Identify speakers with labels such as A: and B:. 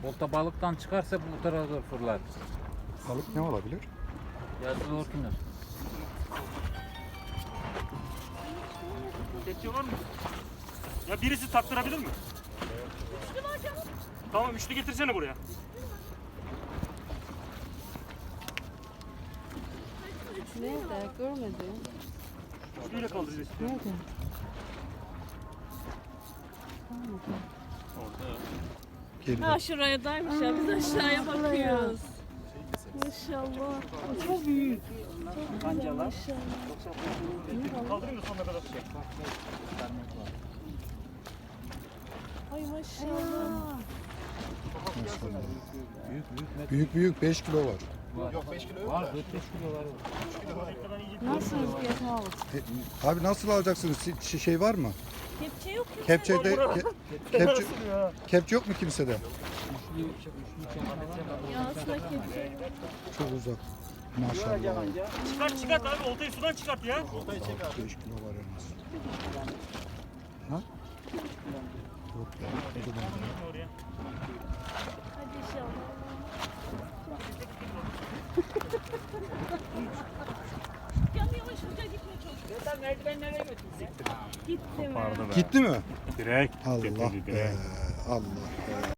A: Olta balıktan çıkarsa bu tarafa doğru fırlar.
B: Balık ne olabilir?
A: Yazılı orkinos.
C: Kepçe var mı? Ya birisi taktırabilir mi? Üçlü var canım. Tamam üçlü getirsene buraya.
D: Nerede? Görmedim.
C: Üçlüyle kaldıracağız.
D: Nerede?
B: Geride.
D: Ha şuraya daymış ya. Biz aşağıya bakıyoruz. Maşallah. Çok büyük.
C: Kancalar.
D: Maşallah.
C: Kaldırayım da sonuna kadar.
D: Ay maşallah.
B: Büyük 5 kilo var.
A: Yok 5 kilo yok. Var 4-5 kilo var.
D: Nasıl rüzgar havuz?
B: Abi nasıl alacaksınız? Şey var mı?
D: Kepçe yok ya.
B: Kepçede kepçe yok mu kimsede?
D: Ya aslında kepçe yok.
B: Çok uzak. Maşallah.
C: Çıkart abi oltayı sudan çıkart ya.
B: 5 kilo var en az. Ha? Yok ya. o da bende.
C: Oraya.
D: Hadi inşallah. Yavaş hızlı gitme çok.
C: Sen merdivenlere götür.
D: Gitti mi?
B: Gitti mi?
C: Direkt.
B: Allah be. Allah be.